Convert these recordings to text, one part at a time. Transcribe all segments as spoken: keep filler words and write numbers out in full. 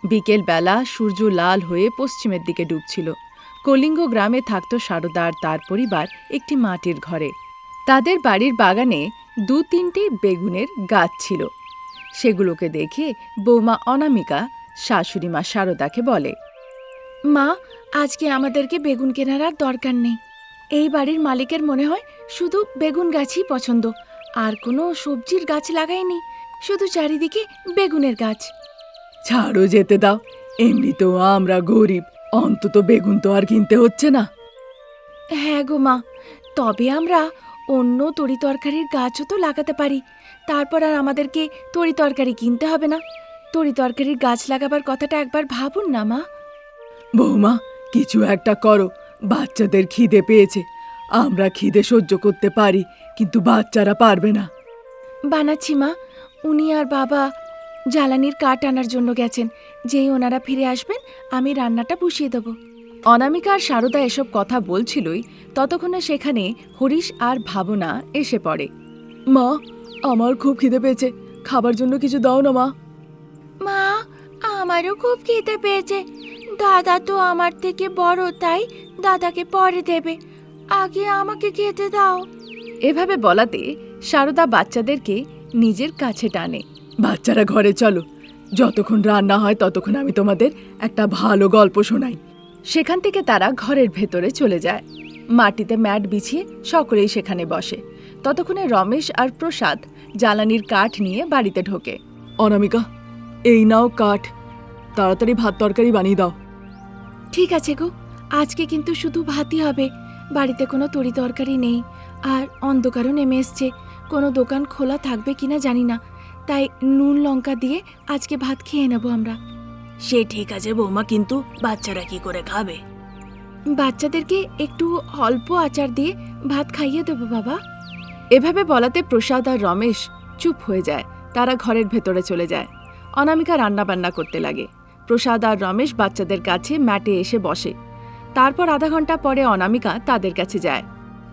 বিকেল বেলা সূর্য লাল হয়ে পশ্চিমের দিকে ডুবছিল। কলিঙ্গ গ্রামে থাকত সারদা আর তার পরিবার একটি মাটির ঘরে। তাদের বাড়ির বাগানে দু তিনটি বেগুনের গাছ ছিল। সেগুলোকে দেখে বৌমা অনামিকা শাশুড়ি মা সারদাকে বলে, মা, আজকে আমাদেরকে বেগুন কেনার আর দরকার নেই। এই বাড়ির মালিকের মনে হয় শুধু বেগুন গাছই পছন্দ, আর কোনো সবজির গাছ লাগায়নি, শুধু চারিদিকে বেগুনের গাছ। ছাড়ো, যেতে দাও, এমনিতেও আমরা গরিব, অন্তত বেগুন তো আর কিনতে হচ্ছে না। হ্যাঁ গো মা, তবে আমরা অন্য তরি তরকারির গাছও তো লাগাতে পারি, তারপর আর আমাদেরকে তরি তরকারি কিনতে হবে না। তরি তরকারির গাছ লাগাবার কথাটা একবার ভাবুন না মা। বৌমা, কিছু একটা করো, বাচ্চাদের খিদে পেয়েছে। আমরা খিদে সহ্য করতে পারি, কিন্তু বাচ্চারা পারবে না। বানাচ্ছি মা, উনি আর বাবা জ্বালানির কাঠ আনার জন্য গেছেন। যেই ওনারা ফিরে আসবেন আমি রান্নাটা বসিয়ে দেব। অনামিকা আর সারদা এসব কথা বলছিলই, ততক্ষণে সেখানে হরিশ আর ভাবনা এসে পড়ে। মা, আমার খুব খিদে পেয়েছে, খাবার জন্য কিছু দাও না মা। মা, আমারও খুব খিদে পেয়েছে। দাদা তো আমার থেকে বড়, তাই দাদাকে পরে দেবে, আগে আমাকে খেতে দাও। এভাবে বলাতে সারদা বাচ্চাদেরকে নিজের কাছে টানে। বাচ্চারা ঘরে চলো, যতক্ষণ রান্না হয় ততক্ষণ আমি তোমাদের একটা ভালো গল্প শোনাই। সেখান থেকে তারা ঘরের ভেতরে চলে যায়। মাটিতে ম্যাট বিছিয়ে সকলেই সেখানে বসে। ততক্ষণে রমেশ আর প্রসাদ জ্বালানির কাঠ নিয়ে বাড়িতে ঢোকে। অনামিকা, এই নাও কাঠ, তাড়াতাড়ি ভাত তরকারি বানিয়ে দাও। ঠিক আছে গো, আজকে কিন্তু শুধু ভাতই হবে, বাড়িতে কোনো তরি তরকারি নেই, আর অন্ধকারও নেমে এসছে। কোনো দোকান খোলা থাকবে কিনা জানি না, তাই নুন লঙ্কা দিয়ে আজকে ভাত খেয়ে নেব আমরা। সে ঠিক আছে বৌমা, কিন্তু বাচ্চারা কি করে খাবে? বাচ্চাদেরকে একটু অল্প আচার দিয়ে ভাত খাইয়ে দেবো বাবা। এভাবে বলাতে প্রসাদ আর রমেশ চুপ হয়ে যায়। তারা ঘরের ভেতরে চলে যায়। অনামিকা রান্না বান্না করতে লাগে। প্রসাদ আর রমেশ বাচ্চাদের কাছে ম্যাটে এসে বসে। তারপর আধা ঘন্টা পরে অনামিকা তাদের কাছে যায়।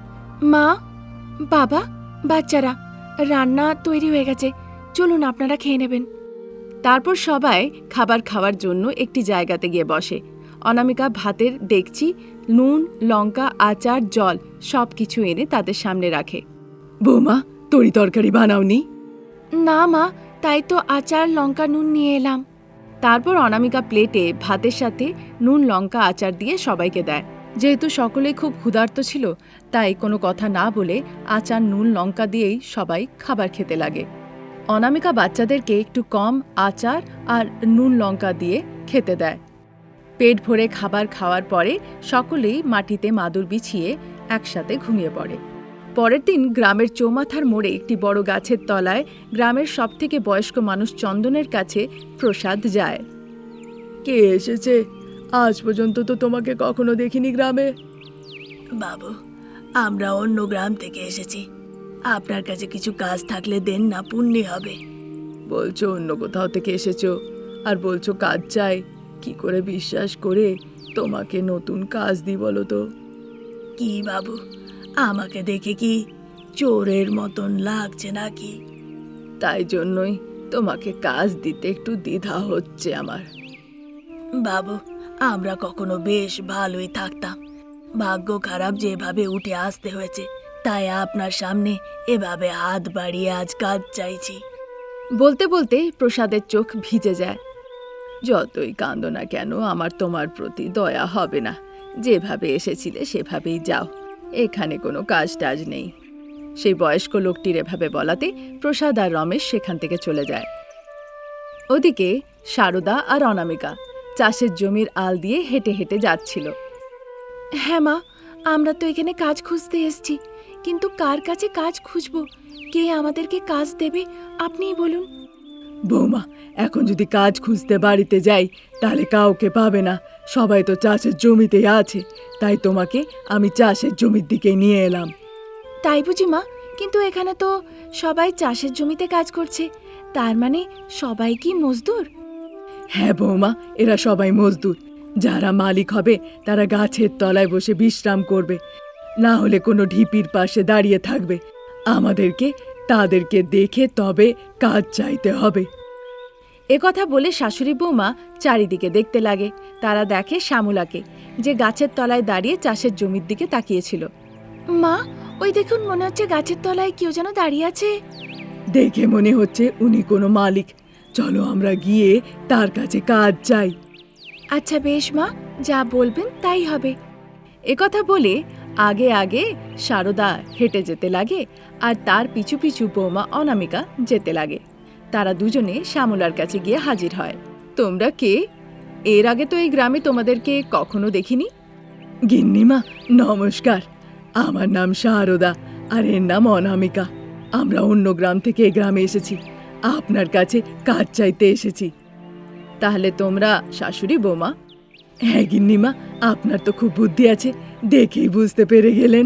মা, বাবা, বাচ্চারা, রান্না তৈরি হয়ে গেছে, চলুন আপনারা খেয়ে নেবেন। তারপর সবাই খাবার খাওয়ার জন্য একটি জায়গাতে গিয়ে বসে। অনামিকা ভাতের ডেকচি, নুন, লঙ্কা, আচার, জল সব কিছু এনে তাদের সামনে রাখে। বৌমা, তরি তরকারি বানাওনি? না মা, তাই তো আচার, লঙ্কা, নুন নিয়ে এলাম। তারপর অনামিকা প্লেটে ভাতের সাথে নুন, লঙ্কা, আচার দিয়ে সবাইকে দেয়। যেহেতু সকলেই খুব ক্ষুধার্ত ছিল, তাই কোনো কথা না বলে আচার, নুন, লঙ্কা দিয়েই সবাই খাবার খেতে লাগে। অনামিকা বাচ্চাদেরকে একটু কম আচার আর নুন লঙ্কা দিয়ে খেতে দেয়। পেট ভরে খাবার খাওয়ার পরে সকলেই মাটিতে মাদুর বিছিয়ে একসাথে ঘুমিয়ে পড়ে। পরের দিন গ্রামের চৌমাথার মোড়ে একটি বড় গাছের তলায় গ্রামের সবথেকে বয়স্ক মানুষ চন্দনের কাছে প্রসাদ যায়। কে এসেছে? আজ পর্যন্ত তো তোমাকে কখনো দেখিনি গ্রামে। বাবু, আমরা অন্য গ্রাম থেকে এসেছি, আপনার কাছে কিছু কাজ থাকলে দেন না, পুণ্যি হবে। বলছো অন্য কোথাও থেকে এসেছো, আর বলছো কাজ চাই। কি করে বিশ্বাস করে তোমাকে নতুন কাজ দিই বলো তো? কি বাবু, আমাকে দেখে কি চোরের মতন লাগছে নাকি? তাই জন্যই তোমাকে কাজ দিতে একটু দ্বিধা হচ্ছে আমার। বাবু, আমরা কখনো বেশ ভালোই থাকতাম, ভাগ্য খারাপ যেভাবে উঠে আসতে হয়েছে, তাই আপনার সামনে এভাবে হাত বাড়িয়ে আজ কাজ চাইছি। বলতে বলতে প্রসাদের চোখ ভিজে যায়। যতই কাঁদো না কেন, আমার তোমার প্রতি দয়া হবে না। যেভাবে এসেছিলে সেভাবেই যাও, এখানে কোনো কাজ টাজ নেই। সেই বয়স্ক লোকটির এভাবে বলাতে প্রসাদ আর রমেশ সেখান থেকে চলে যায়। ওদিকে সারদা আর অনামিকা চাষের জমির আল দিয়ে হেঁটে হেঁটে যাচ্ছিল। হ্যাঁ মা, আমরা তো এখানে কাজ খুঁজতে এসেছি, কিন্তু কার কাছে কাজ খুঁজবো? কে আমাদেরকে কাজ দেবে আপনিই বলুন। বৌমা, এখন যদি কাজ খুঁজতে বাড়িতে যাই তাহলে কাউকে পাবে না। সবাই তো চাষের জমিতেই আছে, তাই তোমাকে আমি চাষের জমির দিকে নিয়ে এলাম। তাই বুঝি মা? কিন্তু এখানে তো সবাই চাষের জমিতে কাজ করছে, তার মানে সবাই কি মজদুর? হ্যাঁ বৌমা, এরা সবাই মজদুর। যারা মালিক হবে তারা গাছের তলায় বসে বিশ্রাম করবে, না হলে কোনো ঢিপির পাশে দাঁড়িয়ে থাকবে। আমাদেরকে তাদেরকে দেখে তবে কাজ চাইতে হবে। একথা বলে শাশুড়ি বৌমা চারিদিকে দেখতে লাগে। তারা দেখে শ্যামলাকে, যে গাছের তলায় দাঁড়িয়ে চাষের জমির দিকে তাকিয়েছিল। মা, ওই দেখুন, মনে হচ্ছে গাছের তলায় কেউ যেন দাঁড়িয়ে আছে। দেখে মনে হচ্ছে উনি কোনো মালিক। চলো আমরা গিয়ে তার কাছে কাজ চাই। আচ্ছা বেশ মা, যা বলবেন তাই হবে। একথা বলে আগে আগে সারদা হেঁটে যেতে লাগে, আর তার পিছু পিছু বৌমা অনামিকা যেতে লাগে। তারা দুজনে শ্যামলার কাছে গিয়ে হাজির হয়। তোমরা কে? এর আগে তো এই গ্রামে তোমাদেরকে কখনো দেখিনি। গিন্নিমা নমস্কার, আমার নাম সারদা আর এর নাম অনামিকা। আমরা অন্য গ্রাম থেকে এই গ্রামে এসেছি, আপনার কাছে কাজ চাইতে এসেছি। তাহলে তোমরা শাশুড়ি বৌমা? হ্যাঁ গিন্নিমা, আপনার তো খুব বুদ্ধি আছে, দেখেই বুঝতে পেরে গেলেন।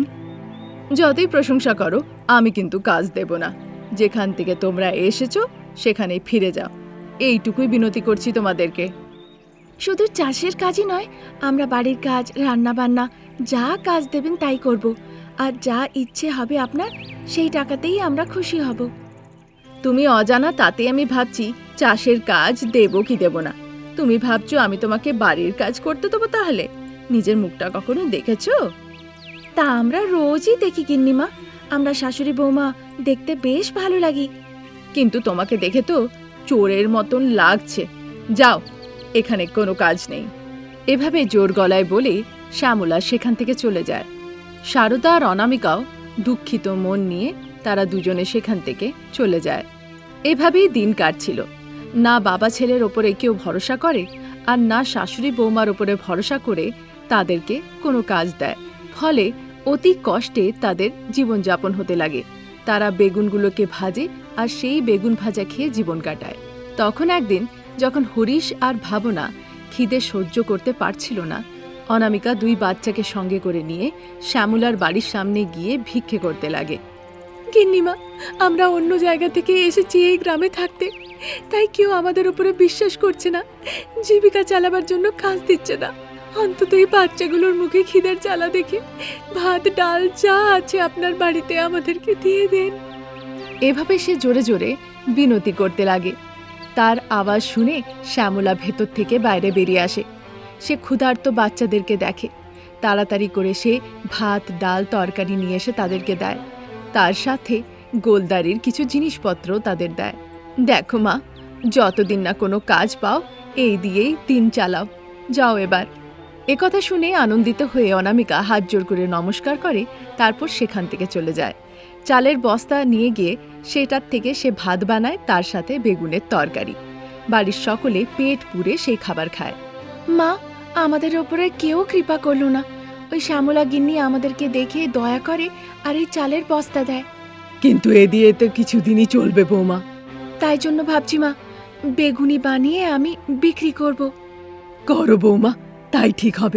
যতই প্রশংসা করো, আমি কিন্তু কাজ দেব না। যেখান থেকে তোমরা এসেছো সেখানেই ফিরে যাও, এইটুকুই বিনতি করছি তোমাদেরকে। শুধু চাষের কাজই নয়, আমরা বাড়ির কাজ, রান্না বান্না, যা কাজ দেবেন তাই করব। আর যা ইচ্ছে হবে আপনার, সেই টাকাতেই আমরা খুশি হব। তুমি অজানা তাতে আমি ভাবছি চাষের কাজ দেব কি দেব না। তুমি ভাবছো আমি তোমাকে বাড়ির কাজ করতে দেবো? তাহলে নিজের মুখটা কখনো দেখেছো? তা আমরা রোজই দেখি গিন্নিমা, আমরা শাশুড়ি বৌমা দেখতে বেশ ভালো লাগি। কিন্তু তোমাকে দেখে তো চোরের মতন লাগছে। যাও, এখানে কোনো কাজ নেই। এভাবে জোর গলায় বলে শ্যামলা সেখান থেকে চলে যায়। সারদা আর অনামিকাও দুঃখিত মন নিয়ে তারা দুজনে সেখান থেকে চলে যায়। এভাবেই দিন কাটছিল। না বাবা ছেলের ওপরে কেউ ভরসা করে, আর না শাশুড়ি বৌমার ওপরে ভরসা করে তাদেরকে কোনো কাজ দেয়। ফলে অতি কষ্টে তাদের জীবনযাপন হতে লাগে। তারা বেগুনগুলোকে ভাজে আর সেই বেগুন ভাজা খেয়ে জীবন কাটায়। তখন একদিন যখন হরিশ আর ভাবনা খিদে সহ্য করতে পারছিল না, অনামিকা দুই বাচ্চাকে সঙ্গে করে নিয়ে শ্যামলার বাড়ির সামনে গিয়ে ভিক্ষে করতে লাগে। গিন্নিমা, আমরা অন্য জায়গা থেকে এসেছি এই গ্রামে থাকতে, তাই কেউ আমাদের উপরে বিশ্বাস করছে না, জীবিকা চালাবার জন্য কাজ দিচ্ছে না। অন্তত এই বাচ্চাগুলোর মুখে খিদের জ্বালা দেখে ভাত ডাল যা আছে আপনার বাড়িতে আমাদেরকে দিয়ে দেন। এভাবে সে জোরে জোরে বিনতি করতে লাগে। তার আওয়াজ শুনে শ্যামলা ভেতর থেকে বাইরে বেরিয়ে আসে। সে ক্ষুধার্ত বাচ্চাদেরকে দেখে। তাড়াতাড়ি করে সে ভাত ডাল তরকারি নিয়ে এসে তাদেরকে দেয়। তার সাথে গোলদারির কিছু জিনিসপত্র তাদের দেয়। দেখো মা, যতদিন না কোনো কাজ পাও এই দিয়েই দিন চালাও, যাও এবার। একথা শুনে আনন্দিত হয়ে অনামিকা হাত জোর করে নমস্কার করে, তারপর সেখান থেকে চলে যায়। চালের বস্তা নিয়ে গিয়ে সেটার থেকে সে ভাত বানায়, তার সাথে বেগুনের তরকারি। বাড়ির সকলে পেট পুরে সেই খাবার খায়। মা, আমাদের ওপরে কেউ কৃপা করলো না। ওই শ্যামলা গিন্নি আমাদেরকে দেখে দয়া করে আর এই চালের বস্তা দেয়। কিন্তু এ দিয়ে তো কিছুদিনই চলবে বৌমা। তাই জন্য ভাবছি মা, বেগুনি বানিয়ে আমি বিক্রি করব। করো বৌমা, তাই ঠিক হবে।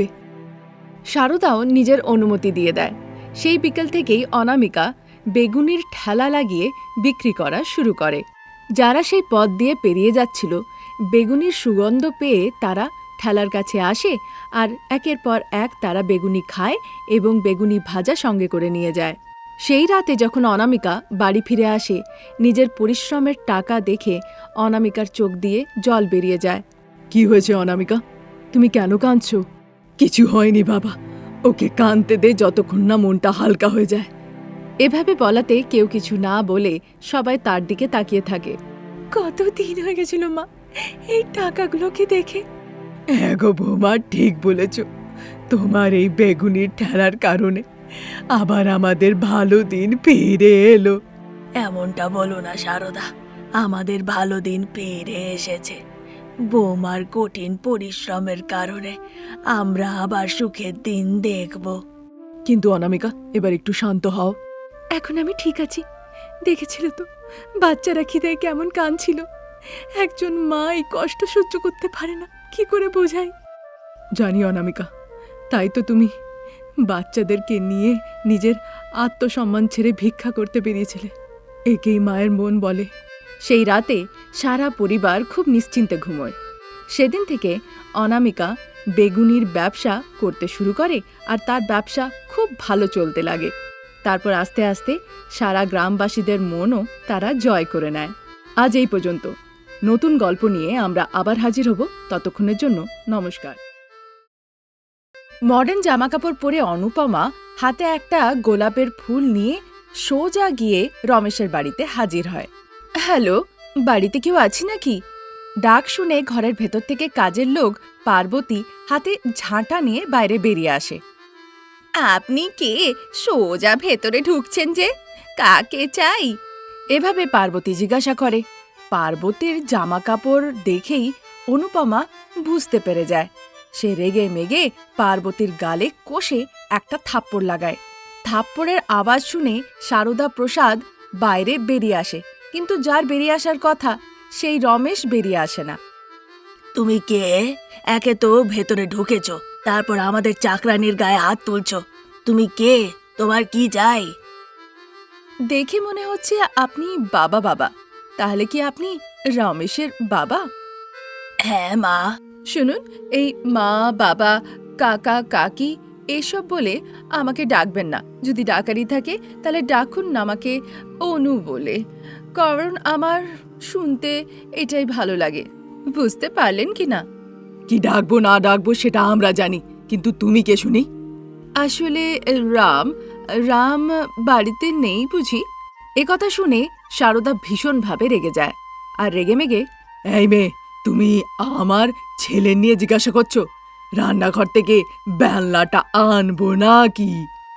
সারদাও নিজের অনুমতি দিয়ে দেয়। সেই বিকেল থেকেই অনামিকা বেগুনির ঠেলা লাগিয়ে বিক্রি করা শুরু করে। যারা সেই পথ দিয়ে পেরিয়ে যাচ্ছিল, বেগুনির সুগন্ধ পেয়ে তারা ঠেলার কাছে আসে, আর একের পর এক তারা বেগুনি খায় এবং বেগুনি ভাজা সঙ্গে করে নিয়ে যায়। সেই রাতে যখন অনামিকা বাড়ি ফিরে আসে, নিজের পরিশ্রমের টাকা দেখে অনামিকার চোখ দিয়ে জল বেরিয়ে যায়। কি হয়েছে অনামিকা, তুমি কেন কাঁদছো? কিছু হয়নি বাবা, ওকে কাঁদতে দে যতক্ষণ না মনটা হালকা হয়ে যায়। এভাবে বলাতে কেউ কিছু না বলে সবাই তার দিকে তাকিয়ে থাকে। কত দিন হয়ে গেছিল মা এই টাকাগুলোকে দেখে। হ্যাঁ গো বৌমা, ঠিক বলেছ। তোমার এই বেগুনির ঠেলার কারণে আবার আমাদের ভালো দিন ফিরে এলো। এমনটা বলো না সারদা, আমাদের ভালো দিন ফিরে এসেছে। বৌমার কঠিন পরিশ্রমের কারণে আমরা আবার সুখের দিন দেখব। কিন্তু অনামিকা, এবার একটু শান্ত হও। এখন আমি ঠিক আছি। দেখেছিল তো বাচ্চারা খিদে কেমন কাঁদছিল। একজন মা এই কষ্ট সহ্য করতে পারে না, কি করে বোঝাই? জানি অনামিকা, তাই তো তুমি বাচ্চাদেরকে নিয়ে নিজের আত্মসম্মান ছেড়ে ভিক্ষা করতে বেরিয়েছিলে। একেই মায়ের মন বলে। সেই রাতে সারা পরিবার খুব নিশ্চিন্তে ঘুমোয়। সেদিন থেকে অনামিকা বেগুনির ব্যবসা করতে শুরু করে, আর তার ব্যবসা খুব ভালো চলতে লাগে। তারপর আস্তে আস্তে সারা গ্রামবাসীদের মনও তারা জয় করে নেয়। আজ এই পর্যন্ত। নতুন গল্প নিয়ে আমরা আবার হাজির হব। ততক্ষণের জন্য নমস্কার। মডার্ন জামাকাপড় পরে অনুপমা হাতে একটা গোলাপের ফুল নিয়ে সোজা গিয়ে রমেশের বাড়িতে হাজির হয়। হ্যালো, বাড়িতে কেউ আছে নাকি? ডাক শুনে ঘরের ভেতর থেকে কাজের লোক পার্বতী হাতে ঝাঁটা নিয়ে বাইরে বেরিয়ে আসে। আপনি কে? সোজা ভেতরে ঢুকছেন যে, কাকে চাই? এভাবে পার্বতী জিজ্ঞাসা করে। পার্বতীর জামা কাপড় দেখেই অনুপমা বুঝতে পেরে যায়। সে রেগে মেগে পার্বতীর গালে কষে একটা থাপ্পড় লাগায়। থাপ্পড়ের আওয়াজ শুনে সারদা প্রসাদ বাইরে বেরিয়ে আসে, কিন্তু যার বেরিয়ে আসার কথা সেই রমেশ বেরিয়ে আসে না। তুমি কে? একে তো ভেতরে ঢুকেছ, তারপর আমাদের চাকরানির গায়ে হাত তুলছ। তুমি কে? তোমার কি চাই? দেখে মনে হচ্ছে আপনি বাবা বাবা। তাহলে কি আপনি রমেশের বাবা? হ্যাঁ মা। শুনুন, এই মা বাবা কাকা কাকি এসব বলে আমাকে ডাকবেন না। যদি ডাকারই থাকে তাহলে ডাকুন না আমাকে অনু বলে, কারণ আমার শুনতে এটাই ভালো লাগে। বুঝতে পারলেন কি না? কি ডাকবো না ডাকবো সেটা আমরা জানি, কিন্তু তুমি কে শুনি? আসলে রাম রাম বাড়িতে নেই বুঝি। একথা শুনে সারদা ভীষণভাবে রেগে যায়, আর রেগে মেগে, এই মেয়ে, তুমি আমার ছেলে নিয়ে জিজ্ঞাসা করছো? রান্নাঘর থেকে বেলনাটা আনবো নাকি?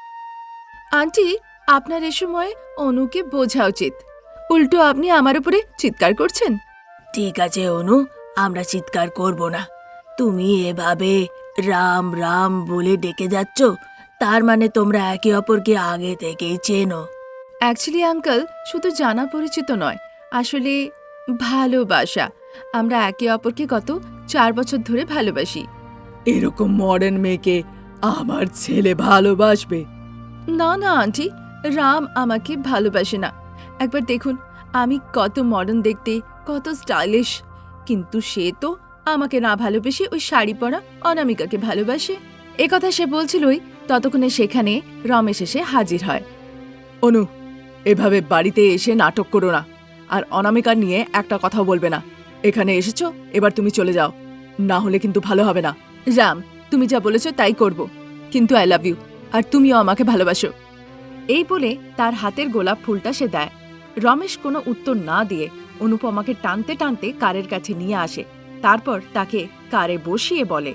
আন্টি, আপনার এ সময় অনুকে বোঝা উচিত। উল্টো আপনি আমার উপরে চিৎকার করছেন। ঠিক আছে অনু, আমরা চিৎকার করব না। তুমি এভাবে রাম রাম বলে ডেকে যাচ্ছ, তার মানে তোমরা একে অপরকে আগে থেকেই চেনো। অ্যাকচুয়ালি আঙ্কেল, শুধু জানা পরিচিত নয়, আসলে ভালোবাসা। আমরা একে অপরকে গত চার বছর ধরে ভালোবাসি। এরকম মডার্ন মেয়েকে আমার ছেলে ভালোবাসবে? না না আন্টি, রাম আমাকে ভালোবাসে না। একবার দেখুন আমি কত মডার্ন দেখতে, কত স্টাইলিশ, কিন্তু সে তো আমাকে না ভালোবেসে ওই শাড়ি পরা অনামিকাকে ভালোবাসে। একথা সে বলছিলই, ততক্ষণে সেখানে রমেশ এসে হাজির হয়। অনু, এভাবে বাড়িতে এসে নাটক করো না, আর অনামিকা নিয়ে একটা কথাও বলবে না। এখানে এসেছো, এবার তুমি চলে যাও, না হলে কিন্তু ভালো হবে না। রাম, তুমি যা বলেছো তাই করব, কিন্তু আই লাভ ইউ, আর তুমিও আমাকে ভালোবাসো। এই বলে তার হাতের গোলাপ ফুলটা সে দেয়। রমেশ কোনো উত্তর না দিয়ে অনুপমাকে টানতে টানতে কারের কাছে নিয়ে আসে। তারপর তাকে কারে বসিয়ে বলে,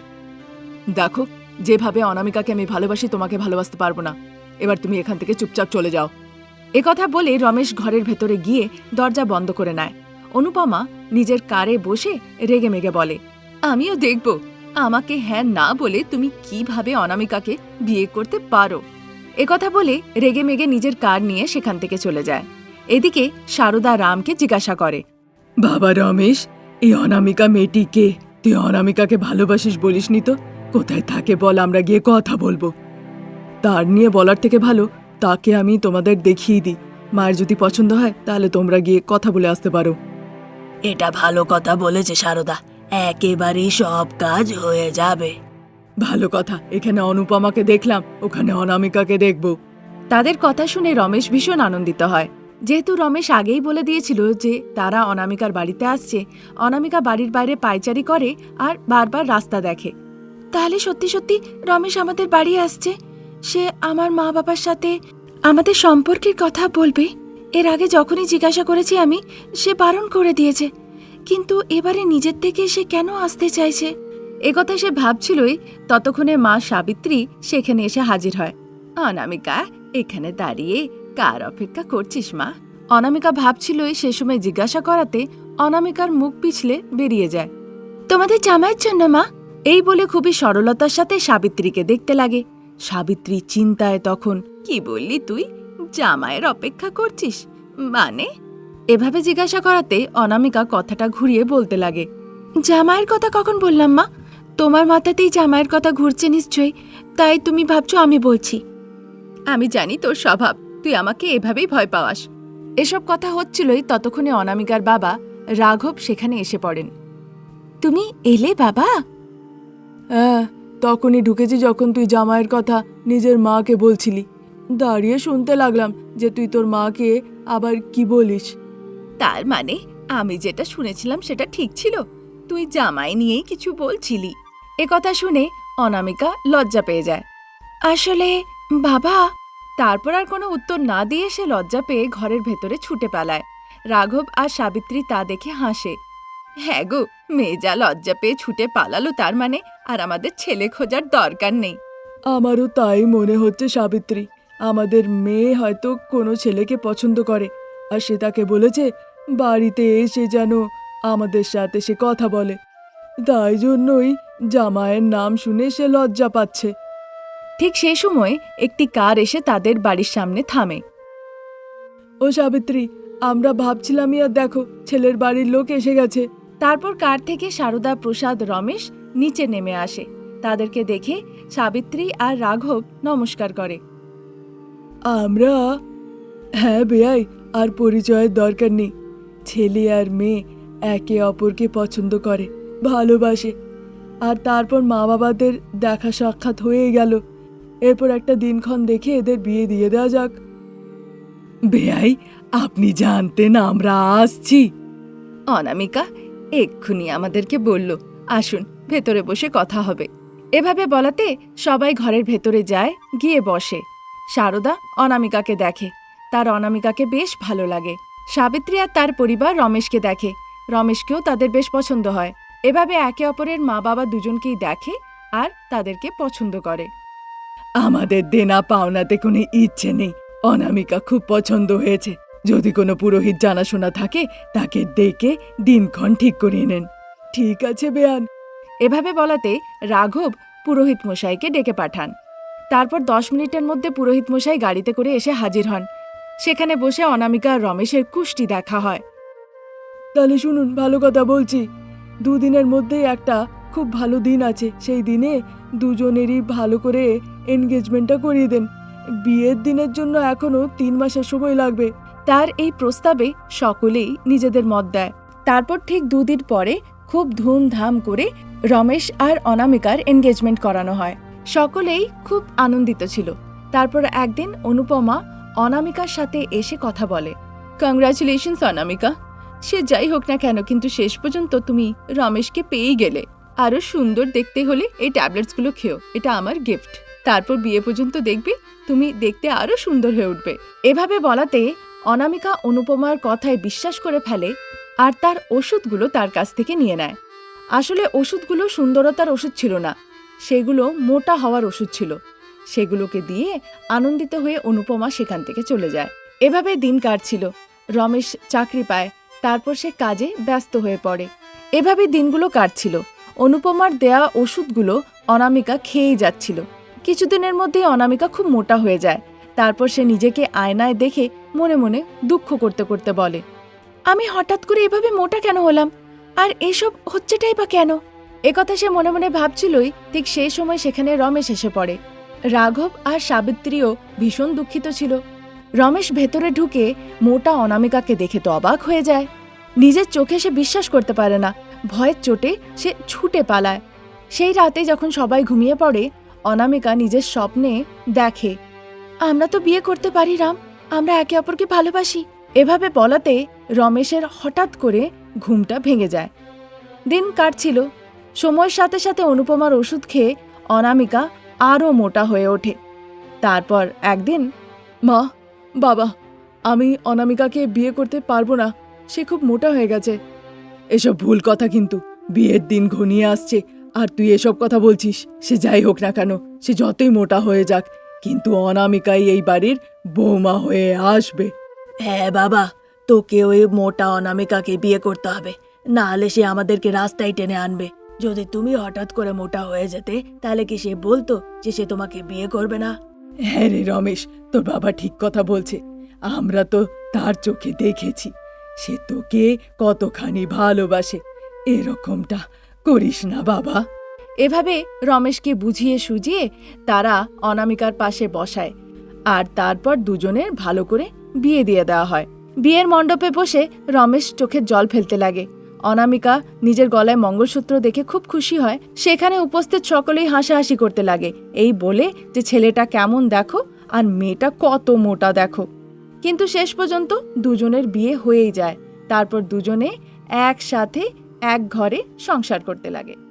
দেখো, যেভাবে অনামিকাকে আমি ভালোবাসি তোমাকে ভালোবাসতে পারবো না। এবার তুমি এখান থেকে চুপচাপ চলে যাও। একথা বলে রমেশ ঘরের ভেতরে গিয়ে দরজা বন্ধ করে নেয়। অনুপমা নিজের কারে বসে রেগে মেগে বলে, আমিও দেখব আমাকে হ্যাঁ না বলে তুমি কিভাবে অনামিকাকে বিয়ে করতে পারো। একথা বলে রেগে মেগে নিজের কার নিয়ে সেখান থেকে চলে যায়। এদিকে সারদা রামকে জিজ্ঞাসা করে, বাবা রমেশ, এই অনামিকা মেয়েটি কে? তুই অনামিকাকে ভালোবাসিস বলিসনি তো? কোথায় থাকে বল, আমরা গিয়ে কথা বলবো। তার নিয়ে বলার থেকে ভালো তাকে আমি তোমাদের দেখিয়ে দিই। মায়ের যদি পছন্দ হয় তাহলে তোমরা গিয়ে কথা বলে আসতে পারো। এটা ভালো কথা বলেছে সারদা, একেবারেই সব কাজ হয়ে যাবে। ভালো কথা, এখানে অনুপমাকে দেখলাম, ওখানে অনামিকাকে দেখব। তাদের কথা শুনে রমেশ ভীষণ আনন্দিত হয়। যেহেতু রমেশ আগেই বলে দিয়েছিল যে তারা অনামিকার বাড়িতে আসছে, অনামিকা বাড়ির বাইরে পায়চারি করে আর বারবার রাস্তা দেখে। তাহলে সত্যি সত্যি রমেশ আমাদের বাড়ি আসছে। সে আমার মা বাবার সাথে আমাদের সম্পর্কের কথা বলবে। এর আগে যখনই জিজ্ঞাসা করেছি আমি, সে বারণ করে দিয়েছে, কিন্তু এবারে নিজের থেকে সে কেন আসতে চাইছে? একথা সে ভাবছিলই, ততক্ষণে মা সাবিত্রী সেখানে এসে হাজির হয়। অনামিকা, এখানে দাঁড়িয়ে কার অপেক্ষা করছিস মা? অনামিকা ভাবছিলই, সে সময় জিজ্ঞাসা করাতে অনামিকার মুখ পিছলে বেরিয়ে যায়। তোমাদের জামাইয়ের জন্য মা। এই বলে খুবই সরলতার সাথে সাবিত্রীকে দেখতে লাগে। সাবিত্রী চিন্তায় তখন, কি বললি তুই? জামাইয়ের অপেক্ষা করছিস মানে? এভাবে জিজ্ঞাসা করাতে অনামিকা কথাটা ঘুরিয়ে বলতে লাগে, জামাইয়ের কথা কখন বললাম মা? তোমার মাথাতেই জামাইয়ের কথা ঘুরছে নিশ্চয়ই, তাই তুমি ভাবছো আমি বলছি। আমি জানি তোর স্বভাব, তুই আমাকে এভাবেই ভয় পাওয়াস। এসব কথা হচ্ছিলই, ততক্ষণে অনামিকার বাবা রাঘব সেখানে এসে পড়েন। তুমি এলে বাবা? হ্যাঁ, তখনই ঢুকেছি যখন তুই জামাইয়ের কথা নিজের মাকে বলছিলি। দাঁড়িয়ে শুনতে লাগলাম যে তুই তোর মাকে আবার কি বলিস। তার মানে আমি যেটা শুনেছিলাম সেটা ঠিক ছিল, তুই জামাই নিয়েই কিছু বলছিলি। এ কথা শুনে অনামিকা লজ্জা পেয়ে যায়। আসলে বাবা, তারপর আর কোনো উত্তর না দিয়ে সে লজ্জা পেয়ে ঘরের ভেতরে ছুটে পালায়। রাঘব আর সাবিত্রী তা দেখে হাসে। হ্যাঁ গো, মেয়ে যা লজ্জা পেয়ে ছুটে পালালো, তার মানে আর আমাদের ছেলে খোঁজার দরকার নেই। আমারও তাই মনে হচ্ছে সাবিত্রী। আমাদের মেয়ে হয়তো কোনো ছেলেকে পছন্দ করে, আর সে তাকে বলেছে বাড়িতে এসে যেন আমাদের সাথে সে কথা বলে। তাই জন্যই জামাইয়ের নাম শুনে সে লজ্জা পাচ্ছে। ঠিক সেই সময় একটি কার এসে তাদের বাড়ির সামনে থামে। ও সাবিত্রী, আমরা ভাবছিলাম আর দেখো ছেলের বাড়ির লোক এসে গেছে। তারপর কার থেকে সারদা, প্রসাদ, রমেশ নিচে নেমে আসে। তাদেরকে দেখে সাবিত্রী আর রাঘব নমস্কার করে। আমরা হ্যাঁ বেয়াই, আর পরিচয়ের দরকার নেই। ছেলে আর মেয়ে একে অপরকে পছন্দ করে, ভালোবাসে, আর তারপর মা বাবাদের দেখা সাক্ষাৎ হয়ে গেল। এরপর একটা দিনক্ষণ দেখে এদের বিয়ে দিয়ে দেওয়া যাক। বেয়াই, আপনি জানতেন আমরা আসছি? অনামিকা এক্ষুনি আমাদেরকে বলল, আসুন ভেতরে বসে কথা হবে। এভাবে বলাতে সবাই ঘরের ভেতরে যায়, গিয়ে বসে। সারদা অনামিকাকে দেখে, তার অনামিকাকে বেশ ভালো লাগে। সাবিত্রী আর তার পরিবার রমেশকে দেখে, রমেশকেও তাদের বেশ পছন্দ হয়। এভাবে একে অপরের মা বাবা দুজনকেই দেখে আর তাদেরকে পছন্দ করে। আমাদের দেনা পাওনাতে কোনো ইচ্ছে নেই, অনামিকা খুব পছন্দ হয়েছে। যদি কোনো পুরোহিত জানাশোনা থাকে তাকে ডেকে দিনক্ষণ ঠিক করিয়ে নেন। ঠিক আছে বেয়ান। এভাবে বলাতে রাঘব পুরোহিত মশাইকে ডেকে পাঠান। তারপর দশ মিনিটের মধ্যে পুরোহিত মশাই গাড়িতে করে এসে হাজির হন। সেখানে বসে অনামিকা আর রমেশের কুষ্টি দেখা হয়। তাহলে শুনুন, ভালো কথা বলছি, দুদিনের মধ্যেই একটা খুব ভালো দিন আছে। সেই দিনে দুজনেরই ভালো করে এনগেজমেন্টটা করিয়ে দেন। বিয়ের দিনের জন্য এখনো তিন মাসের সময় লাগবে। তার এই প্রস্তাবে সকলেই নিজেদের মত দেয়। তারপর ঠিক দুদিন পরে খুব ধুমধাম করে রমেশ আর অনামিকার এনগেজমেন্ট করানো হয়। সকলেই খুব আনন্দিত ছিল। তারপর একদিন অনুপমা অনামিকার সাথে এসে কথা বলে। কংগ্রাচুলেশনস অনামিকা, সে যাই হোক না কেন, কিন্তু শেষ পর্যন্ত তুমি রমেশকে পেয়েই গেলে। আরো সুন্দর দেখতে হলে এই ট্যাবলেটসগুলো খেও, এটা আমার গিফট। তারপর বিয়ে পর্যন্ত দেখবে তুমি দেখতে আরো সুন্দর হয়ে উঠবে। এভাবে বলাতে অনামিকা অনুপমার কথায় বিশ্বাস করে ফেলে আর তার ওষুধগুলো তার কাছ থেকে নিয়ে নেয়। আসলে ওষুধগুলো সুন্দরতার ওষুধ ছিল না, সেগুলো মোটা হওয়ার ওষুধ ছিল। সেগুলোকে দিয়ে আনন্দিত হয়ে অনুপমা সেখান থেকে চলে যায়। এভাবে দিন কাটছিল। রমেশ চাকরি পায়, তারপর সে কাজে ব্যস্ত হয়ে পড়ে। এভাবে দিনগুলো কাটছিল। অনুপমার দেয়া ওষুধগুলো অনামিকা খেয়েই যাচ্ছিল। কিছুদিনের মধ্যেই অনামিকা খুব মোটা হয়ে যায়। তারপর সে নিজেকে আয়নায় দেখে মনে মনে দুঃখ করতে করতে বলে, আমি হঠাৎ করে এভাবে মোটা কেন হলাম, আর এসব হচ্ছেটাই বা কেন? একথা সে মনে মনে ভাবছিলই, ঠিক সেই সময় সেখানে রমেশ এসে পড়ে। রাঘব আর সাবিত্রীও ভীষণ দুঃখিত ছিল। রমেশ ভেতরে ঢুকে মোটা অনামিকাকে দেখে তো অবাক হয়ে যায়। নিজের চোখে সে বিশ্বাস করতে পারে না। ভয়ের চোটে সে ছুটে পালায়। সেই রাতে যখন সবাই ঘুমিয়ে পড়ে, অনামিকা নিজের স্বপ্নে দেখে, আমরা তো বিয়ে করতে পারি রাম, আমরা একে অপরকে ভালোবাসি। এভাবে বলাতে রমেশের হঠাৎ করে ঘুমটা ভেঙে যায়। দিন কাটছিল। সময়ের সাথে সাথে অনুপমার ওষুধ খেয়ে অনামিকা আরও মোটা হয়ে ওঠে। তারপর একদিন, মা, বাবা, আমি অনামিকাকে বিয়ে করতে পারবো না, সে খুব মোটা হয়ে গেছে। এসব ভুল কথা, কিন্তু বিয়ের দিন ঘনিয়ে আসছে আর তুই এসব কথা বলছিস। সে যাই হোক না কেন, সে যতই মোটা হয়ে যাক, কিন্তু অনামিকাই এই বাড়ির বৌমা হয়ে আসবে। হ্যাঁ বাবা, তোকে ওই মোটা অনামিকাকে বিয়ে করতে হবে, না হলে সে আমাদেরকে রাস্তায় টেনে আনবে। যদি তুমি হঠাৎ করে মোটা হয়ে যেতে, তাহলে কি সে বলতো যে সে তোমাকে বিয়ে করবে না? হ্যাঁ রে রমেশ, তোর বাবা ঠিক কথা বলছে। আমরা তো তার চোখে দেখেছি সে তোকে কতখানি ভালোবাসে। এরকমটা করিস না বাবা। এভাবে রমেশকে বুঝিয়ে সুজিয়ে তারা অনামিকার পাশে বসায় আর তারপর দুজনের ভালো করে বিয়ে দিয়ে দেওয়া হয়। বিয়ের মণ্ডপে বসে রমেশ চোখের জল ফেলতে লাগে। অনামিকা নিজের গলায় মঙ্গলসূত্র দেখে খুব খুশি হয়। সেখানে উপস্থিত সকলেই হাসাহাসি করতে লাগে, এই বলে যে ছেলেটা কেমন দেখো আর মেয়েটা কত মোটা দেখো। কিন্তু শেষ পর্যন্ত দুজনের বিয়ে হয়েই যায়। তারপর দুজনে একসাথে এক ঘরে সংসার করতে লাগে।